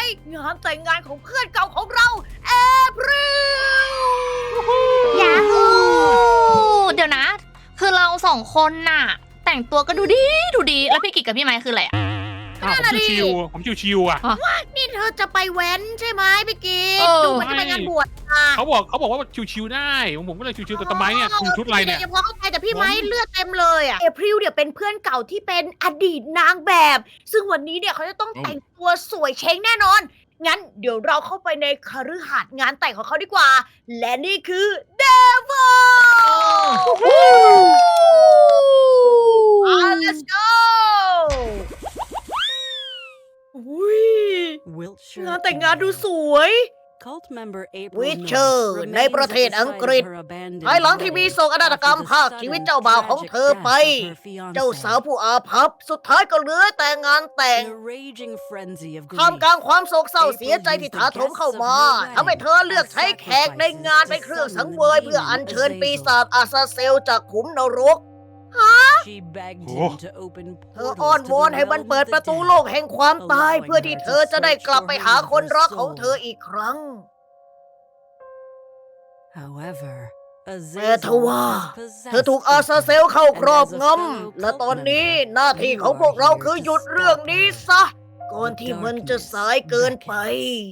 งานแต่งงานของเพื่อนเก่าของเราเอพริลยาฮูเดี๋ยวนะ คือเราสองคนน่ะ แต่งตัวก็ดูดีแล้วพี่กิจกับพี่ไม้คืออะไรอะผมชิวๆอ่ะนี่เธอจะไปแว้นใช่ไหมพี่กิตเออดูเหมือนจะไปงานบวชอ่ะเขาบอกว่าชิวๆได้ผมก็เลยชิวๆแต่ทำไมเนี่ยคุณชุดอะไรเนี่ยพอเข้าใจแต่พี่ไม้เลือดเต็มเลยอ่ะเอพริลเนี่ยเป็นเพื่อนเก่าที่เป็นอดีตนางแบบ ซึ่งวันนี้เนี่ยเขาจะต้องแต่งตัวสวยเช้งแน่นอน งั้นเดี๋ยวเราเข้าไปในคฤหาสน์งานแต่งของเขาดีกว่า และนี่คือเดวอlet's go อุ้ย Wiltshire งานแต่งงานดูสวยวิเชอ Witcher ร์ในในปประ ระเทเทศศอัอังงกกฤฤษษภาภาย ยหหลัลังงที่ที่มีมีโศโศกกนานาฏฏกกรรรรมมภาภาคคชีชีวิวิตตเจ้าเจ้าบ่าบ่าว วขขออง งเธเธออไปไปเจ้าเจ้าสาวผู้อาภัพ สุดท้ายก็เหลือแต่งานแต่ง ท่าท่าม มกกลาลาง งความโศกเศร้าเสียใจที่ถาโถมเข้ามาทำให้เธอเลือกใช้แขกในงานเป็นเครื่องสังเวยเพื่ออัญเชิญปีศาจอาซาเซลจากขุมนรก เธออ้อนวอนให้มันเปิดประตูโลกแห่งความตาย เพื่อที่เธอจะได้กลับไปหาคนรักของเธออีกครั้ง แต่ทว่าเธอถูกอาซาเซลเข้าครอบงำ และตอนนี้หน้าที่ของพวกเราคือหยุดเรื่องนี้ซะ ก่อนที่มันจะสายเกินไป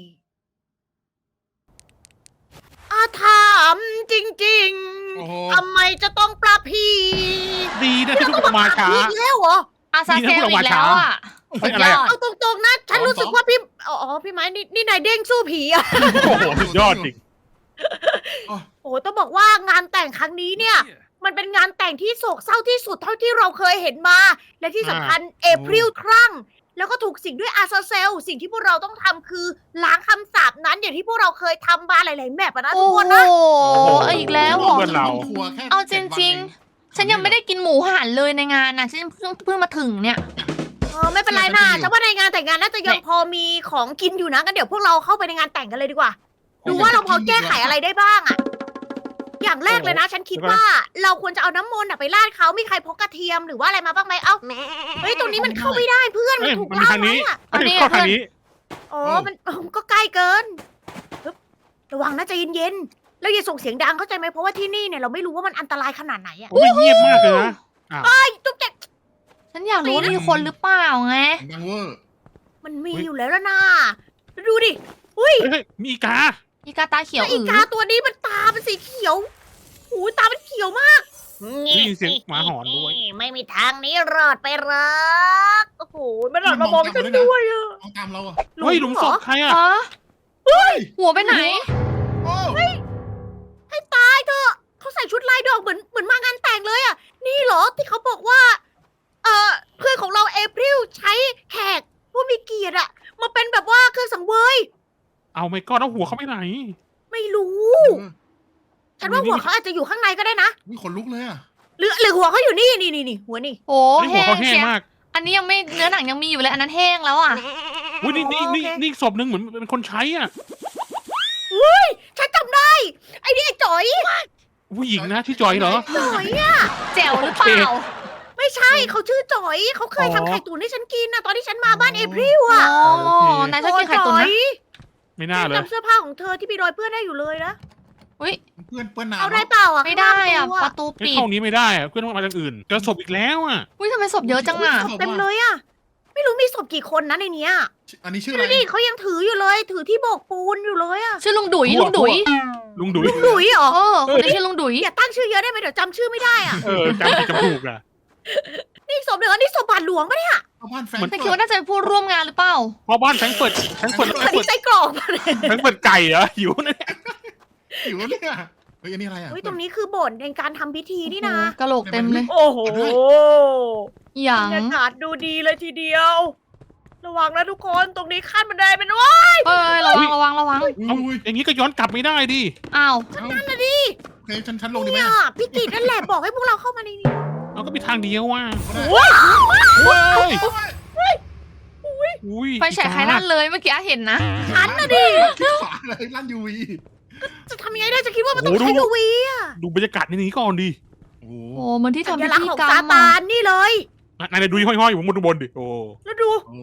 อาถามจริงโอ้โหๆ ทำไมจะต้องปรับพีดีนะที่คุณมาช้าอีกแล้วเหรออาซาเซลอีกแล้วอ่ะเฮ้สุยดอะไรยอะอดเอาตรงๆนะ ฉันรู้สึกว่าพี่ อ๋อ พี่ไม้นี่นายเด้งสู้ผีอะโอ้โหสุดยอดจริงโอ้โหต้องบอกว่างานแต่งครั้งนี้เนี่ย มันเป็นงานแต่งที่โศกเศร้าที่สุดเท่าที่เราเคยเห็นมา และที่สำคัญเอพริลครั่ง แล้วก็ถูกสิงด้วยอาซาเซล สิ่งที่พวกเราต้องทำคือล้างคำสาปนั้นอย่างที่พวกเราเคยทำมาหลายๆแมปอะนะทุโอ้กโหคนนะอีกแล้วเหรอเพื่อนเราทัวร์แค่เอาจ 7 วันริงเอๆ ฉันยังไม่ได้กินหมูหันเลยในงานน่ะฉันเพิ่งมาถึงเนี่ยไม่เป็นไรนะฉันว่าในงานแต่งงานน่าจะยังพอมีของกินอยู่นะงั้นเดี๋ยวพวกเราเข้าไปในงานแต่งกันเลยดีกว่า ดูว่าเราพอแก้ไขอะไรได้บ้างอะอย่างแรกเลยนะ ฉันคิดว่าเราควรจะเอาน้ำมนต์อะไปราดเขามีใครพกกระเทียมหรือว่าอะไรมาบ้างไหมเอ้าเฮ้ยตรงนี้มันเข้าไม่ได้เพื่อนมันเอ้ยถูกมันมีล่าทางไว้นี้อะอันนี้เข้าทางนี้อ๋อมันก็ใกล้เกินฮึบระวังนะใจเย็นๆแล้วอย่าส่งเสียงดังเข้าใจไหมเพราะว่าที่นี่เนี่ยเราไม่รู้ว่ามันอันตรายขนาดไหนอะโอ้ยเงียบมากเลยนะอ้าวไอ้จุ๊บแจ๊กฉันอยากรู้ว่ามีคนหรือเปล่าไงดังเวอร์มันมีอยู่แล้วล่ะนะดูดิอุ้ยเฮ้ยมีอีกาอีกาตาเขียวแล้วอีกาตัวนี้มันตาเป็นสีเขียวโอ้ยตามันเขียวมากได้ยินเสียงหมาหอนด้วยไม่มีทางนี้รอดไปหรักโอ้โหมันรอดมามองฉันด้วยอะมองตามเราอ่ะเฮ้ยหลุมศพใครอ่ะฮะหัวไปไหนโอ้ให้ตายเถอะเขาใส่ชุดลายดอกเหมือนมางานแต่งเลยอะนี่เหรอที่เขาบอกว่าเพื่อนของเราเอพริลใช้แขกผู้มีเกียรติอะมาเป็นแบบว่าเครื่องสังเวยเอาไม่ก็แล้วหัวเขาไปไหนไม่รู้ ฉันว่าหัวเขาอาจจะอยู่ข้างในก็ได้นะมีขนลุกเลยอ่ะหรือหัวเขาอยู่นี่หัวนี่โอ้อันนี้หัวแห้งเขาแห้งเชียมากอันนี้ยังไม่เนื้อหนังยังมีอยู่เลยอันนั้นแห้งแล้วอ่ะอุ้ยนี่โอเคนี่ศพหนึ่งเหมือนเป็นคนใช้อ่ะฉันจำได้ไอ้นี่ไอ้จ๋อยผู้หญิงนะที่จอยเหรอจ๋อยอะแจ๋วหรือเปล่าไม่ใช่เขาชื่อจ๋อยเขาเคยอ๋อทำไข่ตุ๋นให้ฉันกินนะตอนที่ฉันมาบ้านเอพริลอ๋อะอ นายชอบกินไข่ตุ๋นนะไม่น่าเลยจำเสื้อผ้าของเธอที่มีรอยเปื้อนได้อยู่เลยนะอุ้ยเพื่อนเปื้อนน้ำเอาได้เปล่าอ่ะไม่ได้อ่ะข้างหปน้าระตูไม่ปิดเข้านี้ไม่ได้อะเพื่อนต้องมาทางอื่นเจอศพอีกแล้วอ่ะอุ้ยทำไมศพเยอะจังอ่ะเต็มเลยอ่ะ ไม่รู้มีศพกี่คนนะในเนี้ยอันนี้ชื่ออะไรดูดิเขายังถืออยู่เลย ถือที่โบกปูนอยู่เลยอ่ะชื่อลุงดุยหัวลุงดุยลุงดุยลุงดุยเหรอเออคนนี้ชื่อลุงดุยอย่าตั้งชื่อเยอะได้ไหมเดี๋ยวจำชื่อไม่ได้อ่ะจำผิดจำถูกอ่ะนี่ศพเดี๋ยวนี่ศพบาทหลวงปะเนี่ยเอาบ้านแฟนแต่คิดว่าน่าจะเป็นผู้ร่วมงานหรือเปล่าเพราะบ้านแฟรงก์เฟิร์ตแล้วอันนี้ไส้กรอกปะเนี่ยแฟรงก์เฟิร์ตไก่เหรอหิวนะเนี่ยหิวเนี่ยเฮ้ยอันนี้อะไรอ่ะเฮ้ยตรงนี้คือโบสถ์ในการทำพิธีนี่นะกะโหลกเต็มเลยโอ้โหอย่าบงรรยากาศดูดีเลยทีเดียว ระวังนะทุกคนตรงนี้ขั้นบันไดเป็นว่าเอ้ยระวังระวังระวังอุ้ยอย่างนี้ก็ย้อนกลับไม่ได้ดิอ้าวนั่นน่ะดิโอเคฉันลงดีไหมเนี่ยพี่กิตนั่นแหละบอกให้พวกเราเข้ามาในนี้เราก็มีทางเดียวว่ะว้าวเว้ยอุ้ยไฟฉายใครลั่นเลยเมื่อกี้เห็นนะฉันน่ะดิขวาเลยลั่นยูวีจะทำยังไงได้จะคิดว่ามันต้องใช้กวีอะดูบรรยากาศในนี้ก่อนดิโอ้โอ้เหมือนที่สัทำญพิลักษธีณ์ของกรรซาม ตาอะนนี่เลยนายดูห้อยๆอยู่บนดิโอ้แล้วดูโอ้มี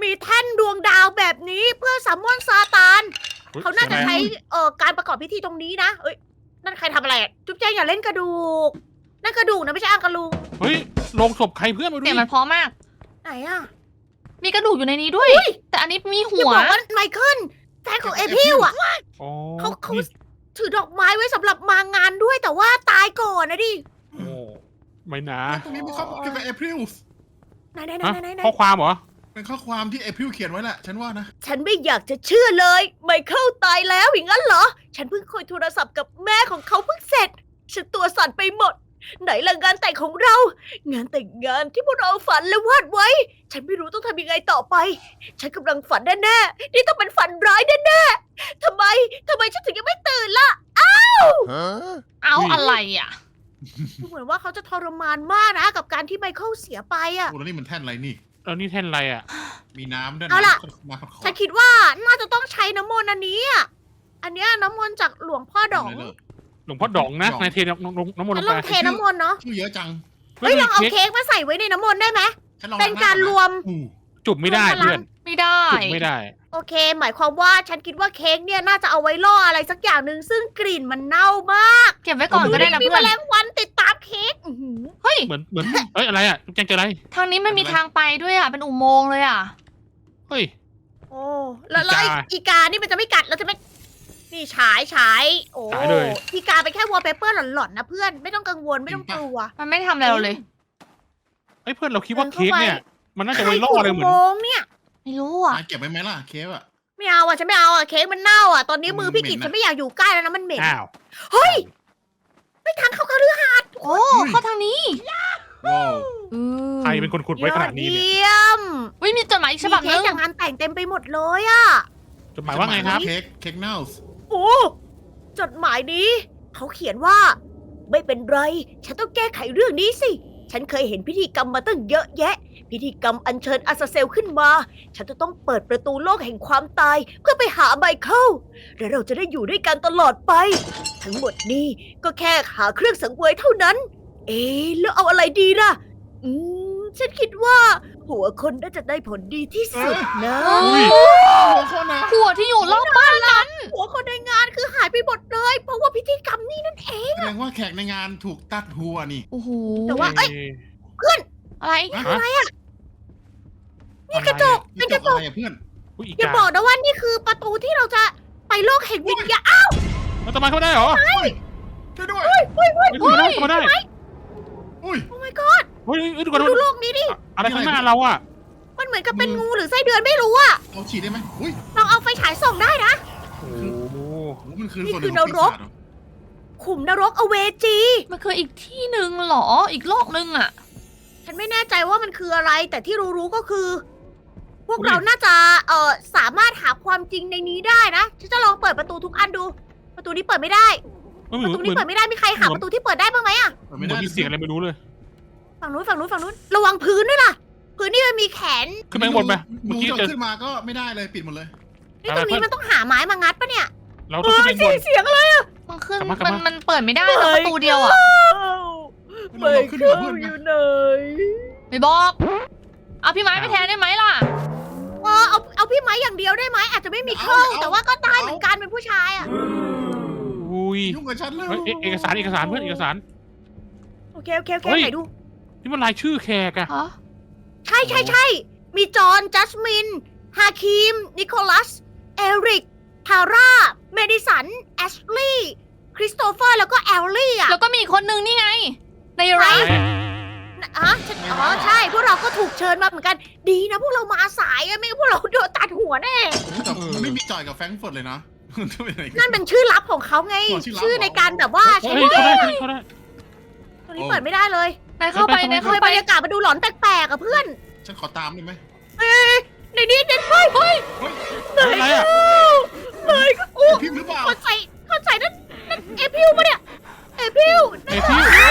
มีแท่นดวงดาวแบบนี้เพื่อซัมมอนซาตาน เขาน่าจะใช้การประกอบพิธีตรงนี้นะเอ้ยนั่นใครทำอะไรอะจุ๊บแจงอย่าเล่นกระดูกนั่นกระดูกนะไม่ใช่อังกะลุงเฮ้ยลงศพใครเพื่อนมาดูเสียดิงมันเพราะมากไหนอะมีกระดูกอยู่ในนี้ด้วย แต่อันนี้มีอย่าหัวบอกว่าไมเคิลแฟนของเอพิวอะอ๋อเขานี่ถือดอกไม้ไว้สำหรับมางานด้วยแต่ว่าตายก่อนนะดิโอ้ไม่นะตรงนี้มีข้อมูลเกี่ยวกับเอพริลไหนฮะๆๆๆข้อความเหรอเป็นข้อความที่เอพริลเขียนไว้แหละฉันว่านะฉันไม่อยากจะเชื่อเลยไมเคิลตายแล้วอย่างนั้นเหรอ ฉันเพิ่งคุยโทรศัพท์กับแม่ของเขาเพิ่งเสร็จ ฉันตัวสั่นไปหมด ไหนล่ะงานแต่งของเรา งานแต่งงานที่พวกเราฝันและวาดไว้ ฉันไม่รู้ต้องทำยังไงต่อไป ฉันกำลังฝันแน่ๆนี่ต้องเป็นฝันร้ายแน่ๆทำไมฉันถึงยังไม่ตื่นล่ะเอาอะไรอ่ะดูเหมือนว่าเขาจะทรมานมากนะกับการที่ไมเคิลเสียไปอ่ะโอ้แล้วนี่มันแท่นอะไรนี่แล้วนี่แท่นอะไรอ่ะมีน้ำด้วยเอาล่ะน้ำขอฉันคิดว่าน่าจะต้องใช้น้ำมนต์อันนี้อ่ะ อันเนี้ยน้ำมนต์จากหลวงพ่อดองหลวงพ่อดองนะนายเทน้ำมนต์ฉัลนงลไปองเทน้ำมนต์เนาะชื่อเยอะจังเฮ้ยลองเอาเค้กมาใส่ไว้ในน้ำมนต์ได้ไหมฉันลองเป็นการรวมอู้จุบไม่ได้เพื่อนไม่ได้จุบไม่ได้โอเค หมายความว่าฉันคิดว่าเค้กเนี่ยน่าจะเอาไว้ล่ออะไรสักอย่างหนึ่งซึ่งกลิ่นมันเน่ามากเก็บไว้ก่อนก็ได้นะมีเพื่แมอนลงวันติดตามเค้กอื้อหือเฮ้ยเหมือนเอ้ยอะไรอ่ะจุ๊บแจงเจออะไรทางนี้ไม่มีทางไปด้วยอ่ะ เป็นอุโมงค์เลยอ่ะเฮ้ยโอ้แล้วอีกานี่มันจะไม่กัดแล้วจะไม่นี่ฉายโอ้ฉายเลยอีกาเป็นแค่วอลเปเปอร์หลอนๆนะเพื่อนไม่ต้องกังวลไม่ต้องกลัวมันไม่ทำอะไรเราเลยเฮ้ยเพื่อนเราคิดว่าเค้กเนี่ยมันน่าจะไว้ล่ออะไรเหมือนโมงเนี่ยไม่รู้อ่ะเก็บไว้ไหมล่ะเคฟอะไม่เอาอ่ะฉันไม่เอาอ่ะเค้กมันเน่าอ่ะตอนนี้มือพี่กิจมันเหม็นนะฉันไม่อยากอยู่ใกล้แล้วนะมันเหม็นอ้าวเฮ้ยไม่ทางเข้าคฤหาสน์โอ้ เข้าทางนี้ว้าวใครเป็นคนขุดไว้ขนาดนี้เนี่ยยอดเยี่ยมวิมีจดหมายอีกฉมีบับเค้นึกงจากงานแต่งเต็มไปหมดเลยอ่ะจดหมายว่าไงครับเค้กเน่าส์โอ้จดหมายนี้ เขาเขียนว่า ไม่เป็นไร ฉันต้องแก้ไขเรื่องนี้สิ ฉันเคยเห็นพิธีกรรมมาตั้งเยอะแยะ พิธีกรรมอัญเชิญอาซาเซลขึ้นมา ฉันจะต้องเปิดประตูโลกแห่งความตาย เพื่อไปหาไมเคิลและเราจะได้อยู่ด้วยกันตลอดไป ทั้งหมดนี้ก็แค่หาเครื่องสังเวยเท่านั้น เอ๊ะแล้วเอาอะไรดีล่ะ ฉันคิดว่า หัวคนน่าจะได้ผลดีที่สุดนะอุ้ยหัวข้อนะหัวที่อยู่รอบบ้านนั้นหัวคนในงานคือหายไปหมดเลย เพราะว่าพิธีกรรมนี่นั่นเองแสดงว่าแขกในงานถูกตัดหัวนี่โอ้โหแต่ว่าเอ้ยอะไรอะไรอ่ะ นี่กระจก เป็นกระจกอะไรอะเพื่อนอุ้ยอีอย่ากาบอกนะว่านี่คือประตูที่เราจะไปโลกแห่งวิญญาณอ้าวมันจะมาเข้ามาได้เหรอช่วยด้วยเฮ้ยเข้ามาได้เข้ามาได้อุ้ยโอ้ my god เฮ้ยดูก่อนดูโลกนี้ดิอะไรข้างหน้าเราอ่ะมันเหมือนกับเป็นงูหรือไส้เดือนไม่รู้อ่ะเอาฉีดได้ไหมอุ้ยลองเอาไฟฉายส่องได้นะโอ้โหโอ้มันคือนี่ส่วนหคืนึ่องของนรกปีศาจเหรอขุมนรกอเวจีมันคืออีกที่หนึ่งเหรอ อีกโลกหนึ่งอ่ะฉันไม่แน่ใจว่ามันคืออะไร แต่ที่รู้ๆก็คือ พวกเราน่าจะสามารถหาความจริงในนี้ได้นะ ฉันจะลองเปิดประตูทุกอันดู ประตูนี้เปิดไม่ได้เหมืประตูอนนี้เปิดไม่ได้ มีใครหาประตูที่เปิดได้บ้างไหมอะเปิดเหมืไม่อนได้มีเสียงอะไรไม่รู้เลยฝั่งนู้น ระวังพื้นด้วยล่ะ พื้นนี่มันมีแขนขึ้นไปข้างบนไปเมื่เมื่ออกี้กี้เจเจออขึ้นมาก็ไม่ได้เลยปิดหมดเลยนี่ตรงนี้มันต้องหาไม้มางัดปะเนี่ยเราต้องขึ้นไปข้างบนเสียงอะไรอะมันขึ้นกลับมากลับมันมามันเปิดไม่ได้นะประตูเดียวอ่ะเราขึ้นมาเพื่อนนะไหนไม่บอก เอาพี่ไม้ไปแทนได้ไหมล่ะเอาพี่ไม้อย่างเดียวได้ไหมอาจจะไม่มีเข้าแต่ว่าก็ได้เหมือนกันเป็นผู้ชายอะอุ้ยยุ่งกับฉันเลยเฮ้ยเอกสารเพื่อนเอกสารโอเคเฮ้ยไหนดูนี่มันรายชื่อแขกอะฮะใช่มีจอห์นจัสมินฮาคิมนิโคลัสเอริกทาร่าเมดิสันแอชลีย์คริสโตเฟอร์แล้วก็แอลลี่อะแล้วก็มีอีกคนนึงนี่ไง ในไรใช่พวกเราก็ถูกเชิญมาเหมือนกันดีนะพวกเรามาสายอะไม่งั้นพวกเราโดนตัดหัวแน่แต่มันไม่มีจอยกับแฟรงก์เฟิร์ตเลยนะจะเป็นไงนั่นเป็นชื่อลับของเขาไงอ๋อชื่อลับชื่อในการแบบว่าใช้เฮ้ยเข้าได้เข้าได้ตัวนี้เปิดไม่ได้เลยนายเข้าไป นายทำเข้าไมไปบรรยากาศมาดูหลอนแปลกๆอะเพื่อนฉันขอตามได้ไหมในนี้เด็ดเฮ้ยอะไรอะเฮ้ยอู้พิมพ์หรือเปล่าเข้าใจนั่นเอพิวปะเนี่ยเอพิวเอ้ยพี่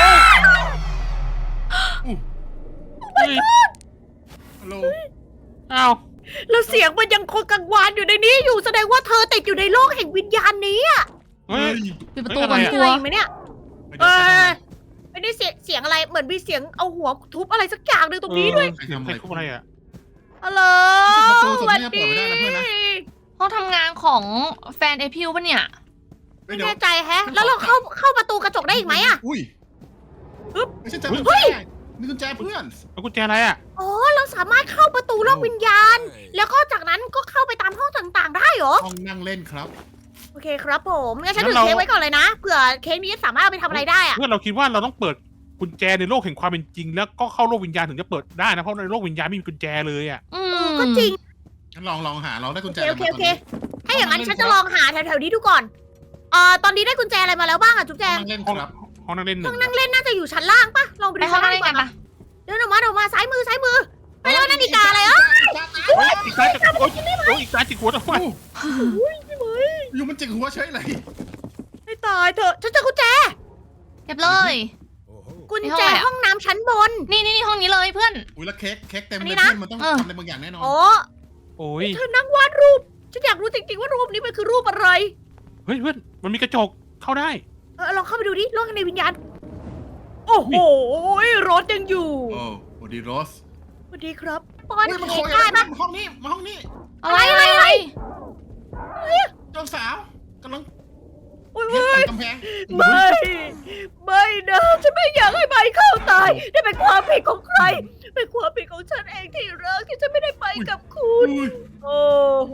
เฮ้ยฮัลโหลอ้าวแล้วเสียงมันยังคงกังวานอยู่ในนี้อยู่แสดงว่าเธอติดอยู่ในโลกแห่งวิญญาณนี้อะเฮ้ยปิดประตูเฮ้ยก่อนอะไรกอะลัวไหมเนี่ยไปดูกันหน่อยไม่ได้เสียงอะไรเหมือนมีเสียงเอาหัวทุบอะไรสักอย่างหนึ่งตรงนี้ด้วยใครทำใคอะรไรทุบอะไรอะฮัลโหลประตูจะเปิดไม่ได้นะเพื่อนนะห้องทำงานของแฟนไอพิวปะเนี่ยเฮ้ยไม่เดี๋ยวแน่ใจแฮะ แล้วเราเข้าประตูกระจกได้อีกไหมอะอุ้ยปึ๊บไม่ใช่กุญเฮ้แจยนี่กุญแจเพื่อนแล้วกุญแจอะไรอ่ะอ๋อ เราสามารถเข้าประตูโลกวิญญาณ แล้วก็จากนั้นก็เข้าไปตามห้องต่างๆ ได้เหรอห้องนั่งเล่นครับโอเคครับผมงั้นฉันถือเค้กไว้ก่อนเลยนะ เผื่อเค้กนี้สามารถเอาไปทำอะไรได้อะเพื่อนเราคิดว่าเราต้องเปิดกุญแจในโลกแห่งความเป็นจริง แล้วก็เข้าโลกวิญญาณถึงจะเปิดได้นะเพราะในโลกวิญญาณไม่มีกุญแจเลยอ่ะอืเอมอก็จริงงั้นลองหาเราได้กุญแจโอเคอะไรโอเคมาถ้าอย่างนั้นฉันจะลองหาแถวๆนี้ดูก่อนตอนนี้ได้กุญแจอะไรมาแล้วบ้างอะจุ๊บแจห้องงนั่งเล่นห้องครับห้องนั่งเล่นหห้นึ่อง งนั่งเล่นน่าจะอยู่ชั้นล่างปะลองไปไปดูห้อชั้งนนั่ล่าง งเล่นดีกกันว่าปะเดินออกมาซ้ายมือไปแล้วนั่นอีกาอะไรเอ่ะฮ้ยอีกซ้ายจะโอ๊ยอีกซ้ายจิกหัวทำไมอยู่มันจิกหัวเฉยเลยให้ตายเถอะฉันเจอกุญแจเก็บเลยกุญในแจห้องอะไรอะห้องน้ำชั้นบนนี่ห้องนี้เลยเพื่อนอุ้ยแล้วเค้กเต็มอันเลนี้ยนะเพื่อนมันต้องเออทำอะไรบางอย่างแน่นอนอ๋อโอ้ยเธอนั่งวาดรูปฉันอยากรู้จริงๆว่ารูปนี้มันคือรูปอะไรเฮ้ยเพื่อนมันมีกระจกเข้าได้ลองเข้าไปดูดิโลกในวิญญาณโอ้โหรถยังอยู่โอ้สวัสดีโรสสวัสดีครับป้อนอุ้ยมันเค้โคกยได้ปะมาห้องนี้มาห้องนี้อะไรเจ้าสาวกำลังโอ้ยเฮ็ดกำแพงไม่นะฉันไม่อยากให้ใบเข้าตายนี่เป็นความผิดของใคร เป็นความผิดของฉันเองที่รักที่ฉันไม่ได้ไปกับคุณอุ้ยโอ้โห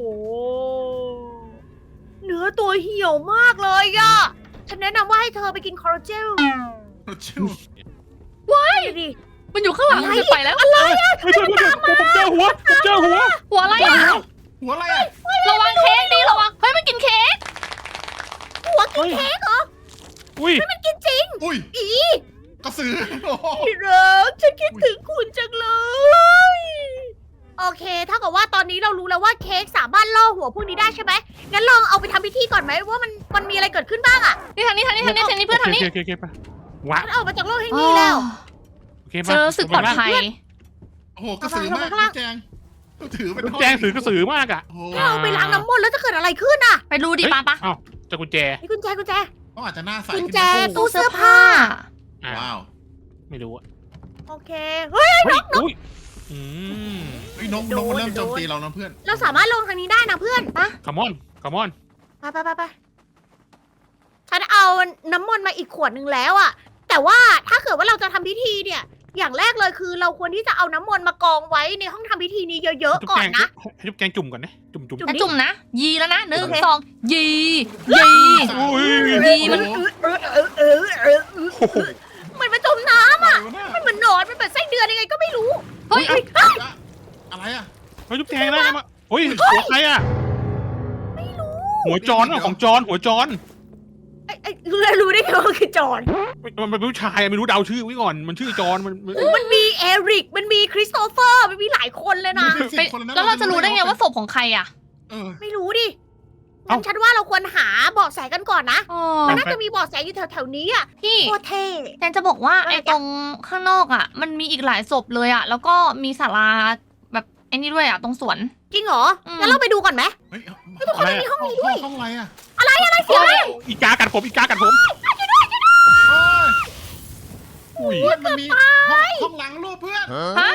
เนื้อตัวเหี่ยวมากเลยอะฉันแนะนำว่าให้เธอไปกินคอลลาเจนชิวดิมันอยู่ข้างหลังมันจะไปแล้วอะไรอะเฮ้ยเพื่อนผมเจอหัวหัวอะไรอ่ะหัวอะไรอ่ะระวังเค้กดิระวังเฮ้ยมันกินเค้กหัวกินเค้กเหรออุ้ยมันกินจริงอุ้ยอีกระสือโอ้โหที่รักฉันคิดถึงคุณจังเลย โอเคถ้ากับว่าตอนนี้เรารู้แล้วว่าเค้กสามารถล่อหัวพวกนี้ได้ใช่ไหมงั้นลองเอาไปทำพิธีก่อนไหมว่ามันมีอะไรเกิดขึ้นบ้างอะนี่ทางนี้เพื่อนทางนี้โอเคไปว้าฉันออกมาจากโลกแห่งนี้แล้วโอเคเจมาอรู้สึกปลอดภัยโอ้โหกระสือมากเอาไปแจงถือเป็นแจงกระสือมากอ่ะโอ้โหถ้าเราไปล้างน้ำมนต์แล้วจะเกิดอะไรขึ้นอะไปดูดิปะเอ้าเจอกุญแจนี่กุญแจเขาอาจจะหน้าใสกุญขึ้นแจนะตู้เสื้อผ้าว้าวไม่รู้อ่ะโอเค เฮ้ยเฮ้ยอุ้ยอืมเฮ้ยนกมันเริ่มโจมตีเรานะเพื่อนเราสามารถลงทางนี้ได้นะเพื่อนคัมอนไปฉันเอาน้ำมนต์มาอีกขวดหนึ่งแล้วอะแต่ว่าถ้าเกิดว่าเราจะทำพิธีเนี่ย อย่างแรกเลยคือเราควรที่จะเอาน้ำมนต์มากองไว้ในห้องทำพิธีนี้เยอะๆก่อนนะให้จุ๊บแจงจุ่มก่อนนะจุ่มจุ่มจะจุ่มนะ ยีแล้วนะ1 โอเค 2 ยีอุ้ยยีมันโอ้โหมันมาจมน้ำอะไรวะเนี่ยมันเหมือนหนอนมันเป็นไส้เดือนยังไงก็ไม่รู้เฮ้ยอะไรอ่ะเฮ้ยจุ๊บแจงได้มาเฮ้ยหัวใครอ่ะหัวจอนของจอนหัวจอนไอ้รู้ได้ไงว่ามันคือจอนมันเป็นผู้ชายไม่รู้เดาชื่อไว้ก่อนมันชื่อจอนมันมันมีเอริกมันมีคริสโตเฟอร์มันมีหลายคนเลยนะแล้วเราจะรู้ได้ไงว่าศพของใครอ่ะเออไม่รู้ดิงั้นฉันว่าเราควรหาเบาะแสกันก่อนนะอ๋อมันน่าจะมีเบาะแสอยู่แถวๆนี้อะพี่โคตรเท่แจนจะบอกว่าไอ้ตรงข้างนอกอ่ะ มันมีอีกหลายศพเลยอ่ะ แล้วก็มีศาลาแบบไอ้นี่ด้วยอ่ะตรงสวนจริงเหรออืมงั้นเราไปดูก่อนไหมเฮ้ยทุกคนมีห้องนี้ด้วยห้องอะไรอ่ะเสียงอะไรอีกากัดผมอุ้ยเพื่อนมันมีห้องหลังรูปเพื่อนฮะ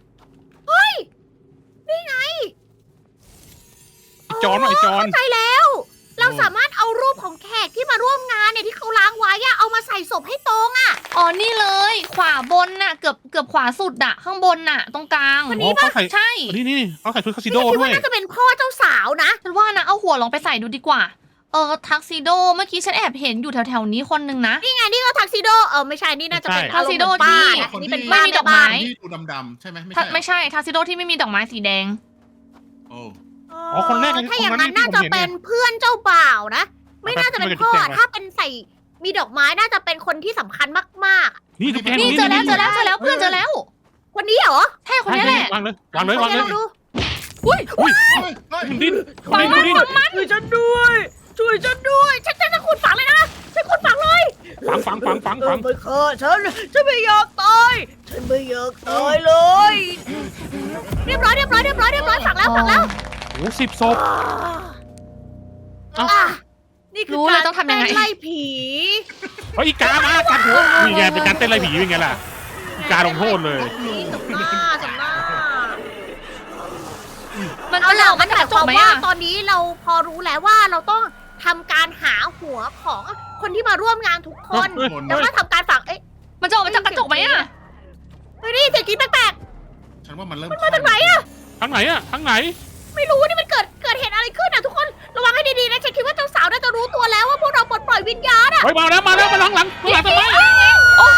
ไอจอนไอจอนเข้าใจแล้ว เราสามารถเอารูปของแขกที่มาร่วมงานเนี่ยที่เขาล้างไว้อะเอามาใส่ศพให้ตรงอะอ๋อ นี่เลย ขวาบนน่ะ เกือบขวาสุดอะข้างบนน่ะ ตรงกลางเขาใส่ใช่นี่เขาใส่ชุดคาสิโดฉันคิดด้วว่าย น่าจะเป็นพ่อเจ้าสาวนะฉันว่านะ เอาหัวลองไปใส่ดูดีกว่า ทักซิโด เมื่อกี้ฉันแอบเห็นอยู่แถวๆนี้คนนึงนะนี่ไงนี่ก็ทักซิโดไม่ใช่นี่น่าจะเป็นทักซิโดป้าที่นะนี่เป็นไม่ป้ามีดอกไม้ที่ดูดำๆใช่ไหมไม่ไม่ใช่ใช่ ทักซิโดที่ไม่มีดอกไม้สีแดงโอ้อ๋อคนแรกถ้าอย่างนั้นน่าจะเป็นเพื่อนเจ้าบ่าวนะ ไม่น่าจะเป็นพ่อถ้าเป็นใส่มีดอกไม้น่าจะเป็นคนที่สำคัญมากนี่ทุกแกนี่เจอแล้วเพื่อนเจอแล้วๆคนนี้เหรอใช่คนนี้แหละวางเลยวางเลยลองดูอุ้ยเฮ้ยมันดิ้นฟังมันดิ้นช่วยฉันด้วยช่วยฉันด้วยฉันจะขุดฝังเลยนะฉันขุดฝังเลยฝังไม่ฆ่าฉันไม่อยากตายฉันไม่อยากตายเลย เรียบร้อยฝังแล้วโอ้10 ศพ เอ้านี่คือรู้เลยการต้องทำยังไงเต้นไล่ผีเฮ้ยอีกามากัดหัวนี่ไงเป็นการเต้นไรผีเป็นไงล่ะอีกาลงโทษเลยสำหน้ามมันเอาจะล่ะออกมัมาน จาหกมาก ยระค วามว่าจกไหมอะตอนนี้เราพอรู้แล้วว่าเราต้องทำการหาหัวของคนที่มาร่วมงานทุกคนคนแล้วก็ทำการฝังเอ๊ะมันจะออกมาจากกระจกไหมอะเฮ้ยนี่เสียงกรี๊ดแปลกฉันว่ามันเริ่มๆมาจากไหนอะทางไหนอะทางไหนไม่รู้นี่มันเกิดเหตุอะไรขึ้นอะทุกคนระวังให้ดีๆนะฉันคิดว่าเจ้าสาวน่าจะรู้ตัวแล้วว่าพวกเราปลดปล่อยวิญญาณอะเฮ้ยมาแล้วมาหลังทำไมโอ้โห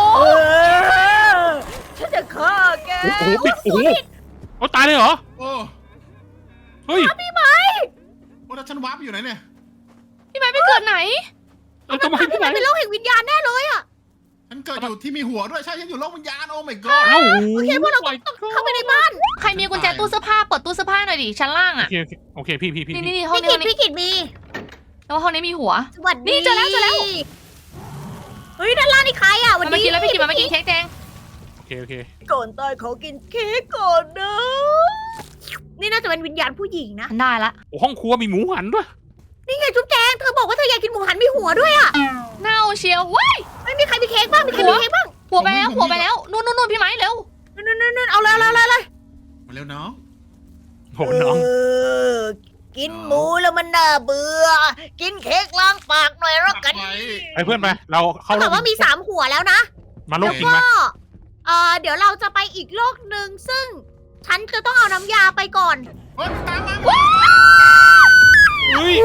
ฉันจะฆ่าแกโอ้โหปิดโอ้โหเอาตายเลยเหรอโอ้เฮ้ยพี่ไหมโอ้แล้วฉันวาร์ปอยู่ไหนเนี่ยพี่ไม้ไปเกิดไหนเราจะมาพี่ที่ไหไหมนเป็นโรคแห่งวิญญาณแน่เลยอะฉันเกิดอยู่ที่มีหัวด้วยใช่ฉันอยู่โลกวิญญาณโอ้ my god เอ้าโอเคพวกเราต้องเข้าไปในบ้านใครมีกุญแจตู้เสื้อผ้าเปิดตู้เสื้อผ้าหน่อยดิชั้นล่างโออะเคโอเคพี่นี่ห้องพี่นี้กิห้องนี้จพี่กิจมีแล้วห้องนี้มีหัวสวัสดีนี่เจอแล้วเฮ้ยด้านล่างนี่ใครอะมันมากินแล้วพี่กินมากินเค้กแดงโอเคก่อนตายขอกินเค้กก่อนนะนี่น่าจะเป็นวิญญาณผู้หญิงนะฉันได้ละโอ้ห้องครัวมีหมูหันด้วยนี่ไงจุ๊บแจงเธอบอกว่าเธออยากกินหมูหันมีหัวด้วยอะเน่าเชียวเว้ยไม่มีใครมีเค้กบ้างมีใครมีเค้กบ้างหัวไปแล้วนู่นพี่ไม้เร็วนั่นเอาเลยมาเร็วน้องโหน้องกินหมูแล้วมันน่าเบื่อ กินเค้กล้างปากหน่อยแล้วกันไปไปเพื่อนไปเราเข้าเขาบอกว่ามี3หัวแล้วนะมาโลกแล้วจริงก็ไหมเดี๋ยวเราจะไปอีกโลกหนึ่งซึ่ง ฉันจะต้องเอาน้ำยาไปก่อนเฮ้ยตามมาเฮ้ย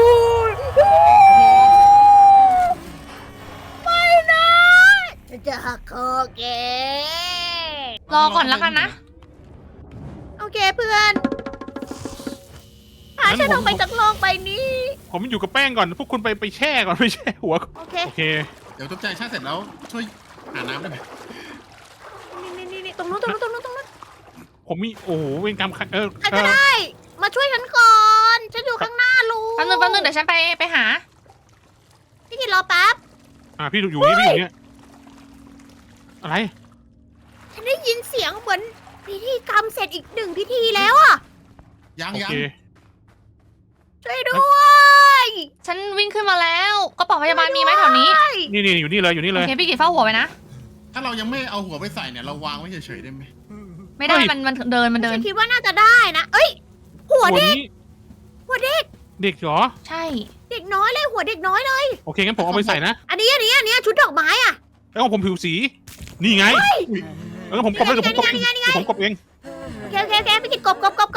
ไม่นะฉันจะหักคอแกรอก่อนแล้วกันนะโอเคเพื่อนพาฉันออกไปจากโลกใบนี้ผมอยู่กับแป้งก่อนพวกคุณไปแช่ก่อนไปแช่หัวโอเคโอเคเดี๋ยวตุ๊กใจชาเสร็จแล้วช่วยหาน้ำได้ไหมนี่ตรงนู้นผมมีโอ้โหเวรกรรมใครก็ได้ มาช่วยฉันก่อน ฉันอยู่ข้างหน้าลุงแป๊บนึงเดี๋ยวฉันไปหาพี่กินรอแป๊บพี่อยู่นี่พี่อยู่นี่อะไรฉันได้ยินเสียงเหมือนพิธีกรรมเสร็จอีก1พิธีแล้วอะยังโอยังเคช่วยด้วยฉันวิ่งขึ้นมาแล้วกระเป๋าพยาบาลมีไหมแถวนี้นี่อยู่นี่เลยอยู่นี่โอเลยเคพี่กินเฝ้าหัวไปนะถ้าเรายังไม่เอาหัวไปใส่เนี่ยเราวางไว้เฉยๆได้ไหมไม่ได้เฮ้ยมันเดินฉันคิดว่าน่าจะได้นะ เอ้ย หัวเด็กนี้หัวเด็กเด็กเหรอใช่เด็กน้อยเลยหัวเด็กน้อยเลยโอเคงั้นผมเอาไปใส่นะอันนี้ชุดดอกไม้อะแล้วของผมผิวสี นี่ไงแล้วผมกบเลยผมกบเองผมกบเองโอเคพี่กินกบ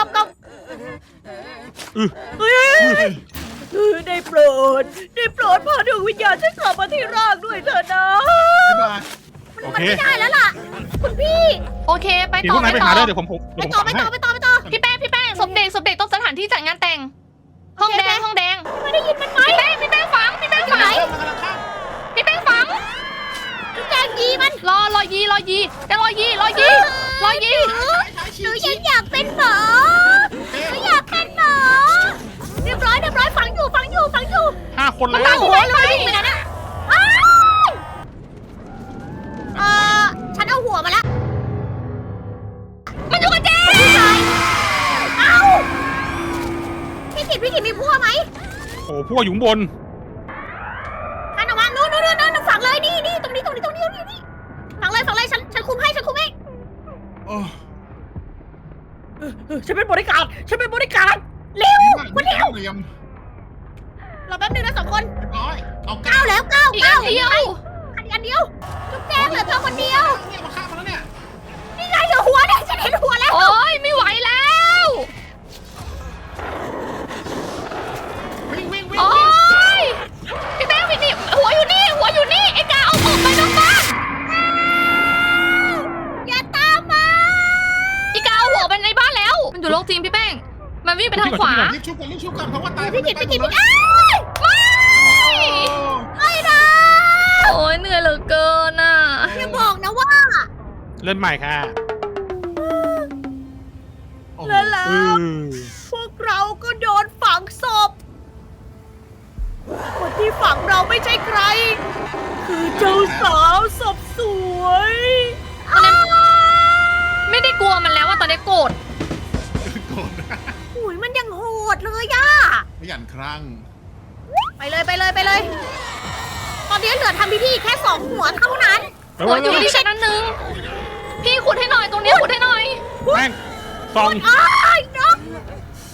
เฮ้ยได้โปรดพาดวงวิญญาณฉันกลับมาที่ร่างด้วยเถอะนะบ๊ายบายโอมันเคไม่ได้แล้วล่ะ คุณพี่โอเคไปเดี๋ยวต่พอวกนายไปไปหาต่อได้เดี๋ยวผมไปต่อให้พี่แป้งศพเด็กตรงสถานที่จัดงานแต่ง ห้องแดงไม่ได้ยินมันไหมพี่แป้งฝังไหนมันกำลังข้ามพี่แป้งฝังจุ๊บแจงยีมันรอยีแต่รอยีหนูยังอยากเป็นหมอหนูอยากเป็นหมอเรียบร้อยฝังอยู่ 5 คนมันแล้ตามวหัวไปไปไหนนะฉันเอาหัวมาแล้วมันอยู่กับเจ๊เอ้าพี่กิตมีพั่วไหมโอ้พวกอยู่ข้างบนอันเอาวางนู่นฝังเลยนี่ตรงนี้ฝังเลยฉันคุมให้โอ้ฉันเป็นบริการเร็ววันเดียวเรียมรอแป๊บนึงนะ2 คนเรียบร้อยเอา 9แล้วอีกอันเดียวอันเดียวจุ๊บแจงเหลือเธอคนเดียวเนี่ยมาฆ่ามันแล้วเนี่ยนี่ไงเหลือหัวเนี่ยฉันเห็นหัวแล้วโอ้ยไม่ไหวแล้ววิ่งโอ้ยพี่แป้งพี่นี่หัวอยู่นี่ไอ้กาเอาออกไปนอกบ้านอย่าตามมาอีกาเอาหัวไปในบ้านแล้ว มันอยู่โลกจริงพี่แป้ง มันวิ่งไปทางขวารีบชุบกันเพราะว่าตายพี่กิตไปอ้ายไม่นะโอ้ยเหนื่อยเหลือเกินอ่ะอย่าบอกนะว่าเล่นใหม่ค่ะแล้วพวกเราก็โดนฝังศพคนที่ฝังเราไม่ใช่ใคร คือเจ้าสาวศพสวยไม่ได้กลัวมันแล้วว่าตอนนี้โกรธโกรธหุยมันยังโหดเลยย่าไม่หยันครั้งไปเลย ตอนนี้เหลือทำพิธีแค่2 หัวเท่านั้นหัวอยู่ที่ชั้นนั้นนึง พี่ขุดให้หน่อยตรงนี้ขุดให้หน่อยแป้งซองอ้ายนก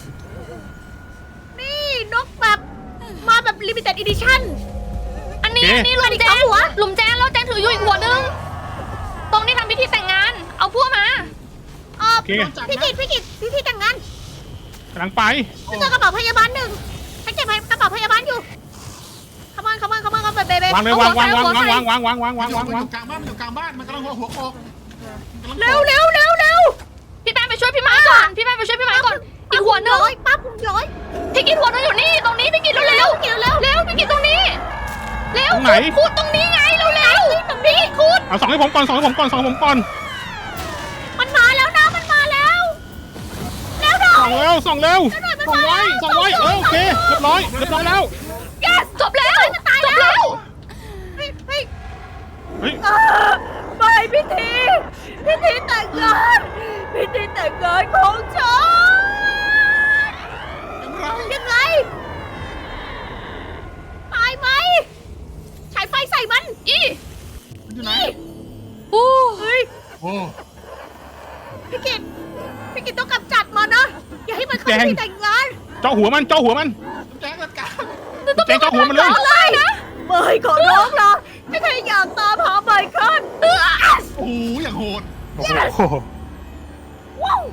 Limited Edition อันนี้โอเคอันนี้หลุมแจงหลุมแจงแล้วแจงถืออยู่อีกหัวนึงตรงที่ทำพิธีแต่งงาน เอาพวกมาโอเคพี่กิตพี่แต่งงานกำลังไปฉันเจอกระเป๋าพยาบาลหนึ่งฉันเก็บกระเป๋าพยาบาลอยู่ขมันเบเบวางเลยวางวางวางวางวางวางวางวางมันวางอยู่วางกลางบ้านมันอยู่กลางบ้านมันกำลังหัวโขกเร็วพี่แป้งไปช่วยพี่ไม้ก่อนพี่แป้งไปช่วยพี่ไม้ก่อนอีกหัวนึงร้อยป้าผมร้อยพี่กินหัวนึงอยู่นี่ตรงนี้พี่กินเร็วเร็วเร็วเร็วเร็วพี่กินตรงนี้เร็วตรงไหนคูดตรงนี้ไงเร็วเร็วตรงนี้คูดเอาส่องให้ผมก่อนส่องให้ผมก่อนส่องให้ผมก่อนมันมาแล้วนะมันมาแล้วแล้วหน่อส่องยเร็วส่องเร็วส่องไว้ส่องไว้โอเคเรียบร้อยแล้ว yes จบแล้วจบแล้วเฮ้ยเฮ้ยไม่พิธีแต่งงานของฉันยังไงตายไหมฉายไฟใส่มันมันอยู่ไหนอู้เฮ้ยโอ้พี่กิตต้องกำจัดมันนะอย่าให้มันเข้าพิธีแต่งงานเจาะหัวมันแจ้งกันกลางแจงเจาะหัวมันเลยอะไรนะไม่ขอร้องหรอกไม่เคยอยากตามหาไมเคิลโอ้โหอย่างโหดโอ้โหว้าว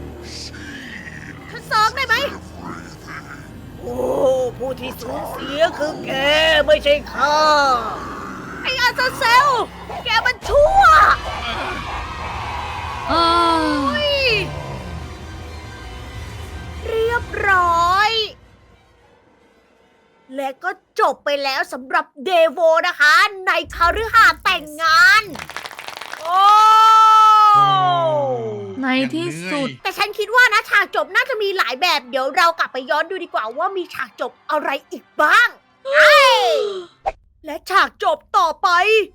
ฉันซ้อมได้ไหมโอ้ผู้ที่สูญเสียคือแกไม่ใช่ข้าไอ้อาซาเซลแกมันชั่วเฮ้ยเรียบร้อย และก็จบไปแล้วสำหรับเดโวนะคะ ในคฤหาสน์แต่งงาน โอ้ในที่สุดแต่ฉันคิดว่านะฉากจบน่าจะมีหลายแบบ เดี๋ยวเรากลับไปย้อนดูดีกว่าว่ามีฉากจบอะไรอีกบ้างและฉากจบต่อไป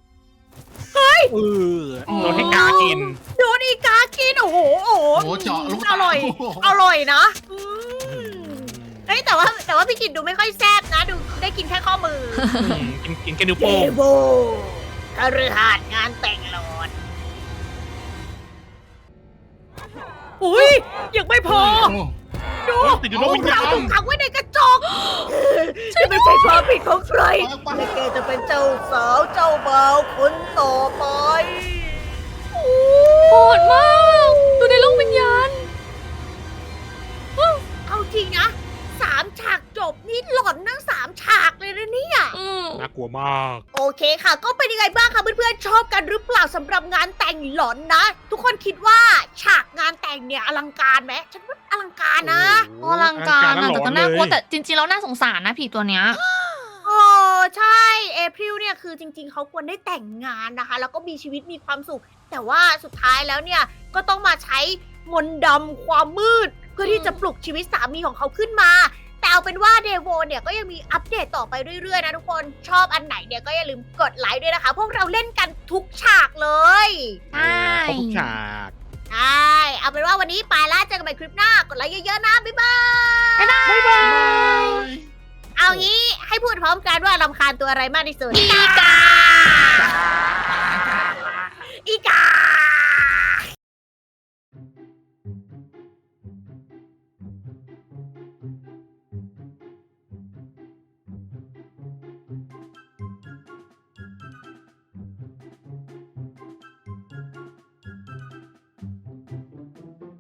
โดนให้กากินโดนอีกากินโอ้โหโอ้โหเจาะลูกอร่อย อร่อยนะเฮ้ยแต่ว่าพี่กินดูไม่ค่อยแซ่บนะ ดูได้กินแค่ข้อมือกินแค่นิ้วเดโป้งโบคฤหาสน์งานแต่งหลอนอุ้ยยังไม่พอ ดูติดอยู่โลกวิญญาณถูกขังไว้ในกระจกจะไม่ใช่ความผิดของใครและแกจะเป็นเจ้าสาวเจ้าบ่าวคนต่อไปโหดมากดูในโลกวิญญาณเอาจริงนะ3 ฉากจบนี่หลอนทั้ง3 ฉากเลยนะเนี่ยน่ากลัวมากโอเคค่ะ ก็เป็นยังไงบ้างคะเพื่อนๆชอบกันหรือเปล่าสำหรับงานแต่งหลอนนะ ทุกคนคิดว่าฉากงานแต่งเนี่ยอลังการไหมฉันว่าอลังการนะอลังการอะอลัแต่งก็รน่ากลัวเลยแต่จริงๆแล้วน่าสงสารนะผีตัวเนี้ยโอ้ใช่เอพริลเนี่ยคือจริงๆเขาควรได้แต่งงานนะคะ แล้วก็มีชีวิตมีความสุข แต่ว่าสุดท้ายแล้วเนี่ยก็ต้องมาใช้มนต์ดำความมืด เพื่อที่จะปลุกชีวิตสามีของเขาขึ้นมา แต่เอาเป็นว่าเดโวเนี่ยก็ยังมีอัปเดตต่อไปเรื่อยๆนะทุกคนชอบอันไหนเนี่ยก็อย่าลืมกดไลค์ด้วยนะคะ พวกเราเล่นกันทุกฉากเลยใช่ครบทุกฉากใช่เอาเป็นว่าวันนี้ไปละเจอกันใหม่คลิปหน้ากดไลค์เยอะๆนะบ๊ายบายบ๊ายบายเอางี้ให้พูดพร้อมกันว่ารำคาญตัวอะไรมากที่สุดอีกา